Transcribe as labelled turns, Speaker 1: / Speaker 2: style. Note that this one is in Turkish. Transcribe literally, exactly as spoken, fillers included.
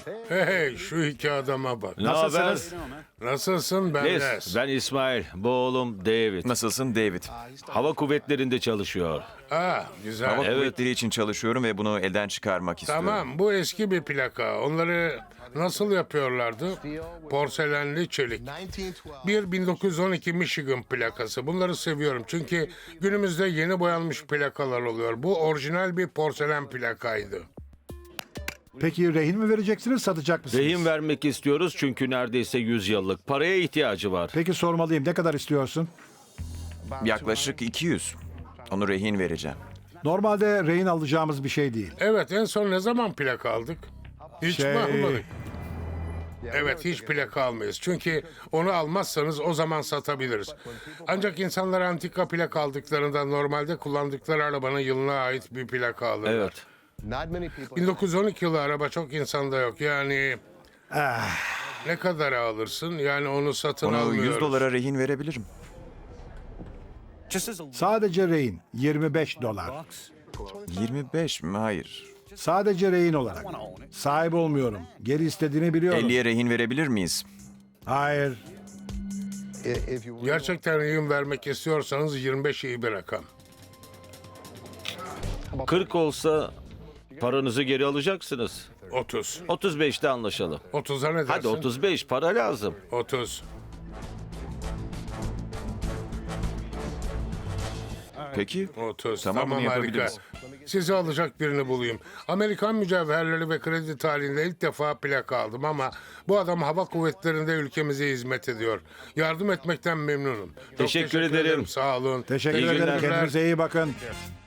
Speaker 1: Hey, şu iki adama bak.
Speaker 2: Ne haber?
Speaker 3: Nasılsınız?
Speaker 1: Nasılsın ben
Speaker 2: Les,
Speaker 1: Les?
Speaker 2: ben İsmail, bu oğlum David.
Speaker 4: Nasılsın David?
Speaker 2: Hava kuvvetlerinde çalışıyor.
Speaker 1: Ah, güzel.
Speaker 4: Hava
Speaker 2: Evet.
Speaker 4: kuvvetleri için çalışıyorum ve bunu elden çıkarmak istiyorum.
Speaker 1: Tamam, bu eski bir plaka. Onları nasıl yapıyorlardı? Porselenli çelik. Bir bin dokuz yüz on iki Michigan plakası. Bunları seviyorum çünkü günümüzde yeni boyanmış plakalar oluyor. Bu orijinal bir porselen plakaydı.
Speaker 3: Peki rehin mi vereceksiniz, satacak mısınız?
Speaker 2: Rehin vermek istiyoruz çünkü neredeyse yüz yıllık. Paraya ihtiyacı var.
Speaker 3: Peki sormalıyım, ne kadar istiyorsun?
Speaker 4: Yaklaşık iki yüz. Onu rehin vereceğim.
Speaker 3: Normalde rehin alacağımız bir şey değil.
Speaker 1: Evet, en son ne zaman plaka aldık? Hiç
Speaker 3: Şey-
Speaker 1: mi almadık? Evet, hiç plaka almayız. Çünkü onu almazsanız o zaman satabiliriz. Ancak insanlar antika plaka aldıklarında normalde kullandıkları arabanın yılına ait bir plaka alırlar.
Speaker 2: Evet.
Speaker 1: bin dokuz yüz on iki yılı araba çok insanda yok. Yani ne kadar alırsın? Yani onu satın
Speaker 4: Onu
Speaker 1: almıyoruz.
Speaker 4: yüz dolara rehin verebilirim.
Speaker 3: Sadece rehin, yirmi beş dolar.
Speaker 4: yirmi beş mi? Hayır.
Speaker 3: Sadece rehin olarak. Sahip olmuyorum. Geri istediğini biliyorum.
Speaker 4: elliye rehin verebilir miyiz?
Speaker 3: Hayır.
Speaker 1: Gerçekten rehin vermek istiyorsanız yirmi beş iyi bir rakam.
Speaker 2: kırk olsa paranızı geri alacaksınız.
Speaker 1: otuz.
Speaker 2: otuz beşte anlaşalım.
Speaker 1: otuza ne dersin?
Speaker 2: Hadi otuz beş, para lazım.
Speaker 1: otuz.
Speaker 4: Peki.
Speaker 1: otuz.
Speaker 4: Tamam,
Speaker 1: Tamam,
Speaker 4: bunu
Speaker 1: harika.
Speaker 4: yapabiliriz.
Speaker 1: Sizi alacak birini bulayım. Amerikan mücevherleri ve kredi tarihinde ilk defa plaka aldım ama bu adam hava kuvvetlerinde ülkemize hizmet ediyor. Yardım etmekten memnunum. Çok
Speaker 2: Teşekkür ederim.
Speaker 1: Sağ olun.
Speaker 3: Teşekkür
Speaker 2: İyi
Speaker 3: ederim.
Speaker 2: günler.
Speaker 3: Kendinize iyi bakın.